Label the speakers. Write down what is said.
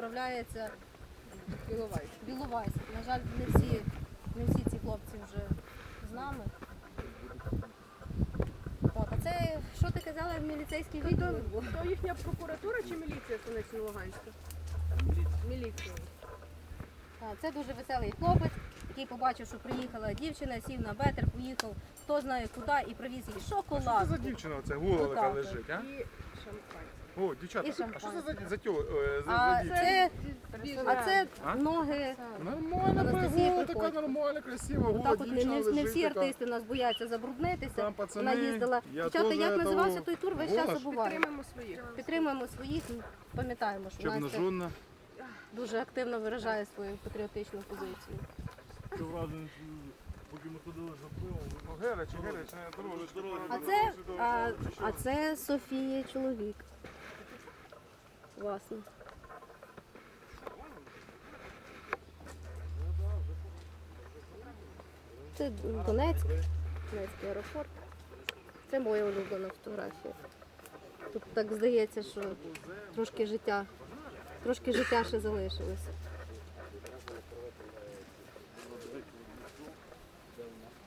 Speaker 1: відправляється
Speaker 2: Біловайськ.
Speaker 1: в Біловайськ. На жаль, не всі ці хлопці вже з нами. Так, а це, що ти казала, міліцейський відділ?
Speaker 2: То їхня прокуратура чи міліція Станично-Луганська? Міліція.
Speaker 1: Це дуже веселий хлопець, який побачив, що приїхала дівчина, сів на бетер, поїхав хто знає куди і привіз їй
Speaker 3: Що це
Speaker 1: шоколад.
Speaker 3: за дівчина оце гола така
Speaker 1: Отак.
Speaker 3: лежить, а?
Speaker 2: І шампанське.
Speaker 3: О, дівчата,
Speaker 1: І
Speaker 3: а що це
Speaker 1: шампанське.
Speaker 3: за
Speaker 1: А
Speaker 3: дівчина?
Speaker 1: це
Speaker 3: А?
Speaker 1: ноги.
Speaker 3: Нормальна
Speaker 1: Анастасія
Speaker 3: гола, така
Speaker 1: Приходько.
Speaker 3: нормальна, красива, гола
Speaker 1: Так от
Speaker 3: дівчина
Speaker 1: не
Speaker 3: лежить.
Speaker 1: всі
Speaker 3: така.
Speaker 1: артисти нас бояться забруднитися.
Speaker 3: Там, пацани,
Speaker 1: Вона їздила.
Speaker 3: я
Speaker 1: Дівчата,
Speaker 3: теж
Speaker 1: як називався
Speaker 3: того
Speaker 1: той тур, весь
Speaker 3: голос.
Speaker 1: час забуваю.
Speaker 2: Підтримуємо своїх.
Speaker 1: Підтримуємо своїх, пам'ятаємо, що Настя
Speaker 3: Чорножонна.
Speaker 1: дуже активно виражає свою патріотичну позицію.
Speaker 4: Поки ми ходили за пивом,
Speaker 3: Гелич, дорожче.
Speaker 1: А це Софія чоловік. Власне. Це Донецьк, Донецький аеропорт. Це моя улюблена фотографія. Тут так здається, що трошки життя ще залишилося.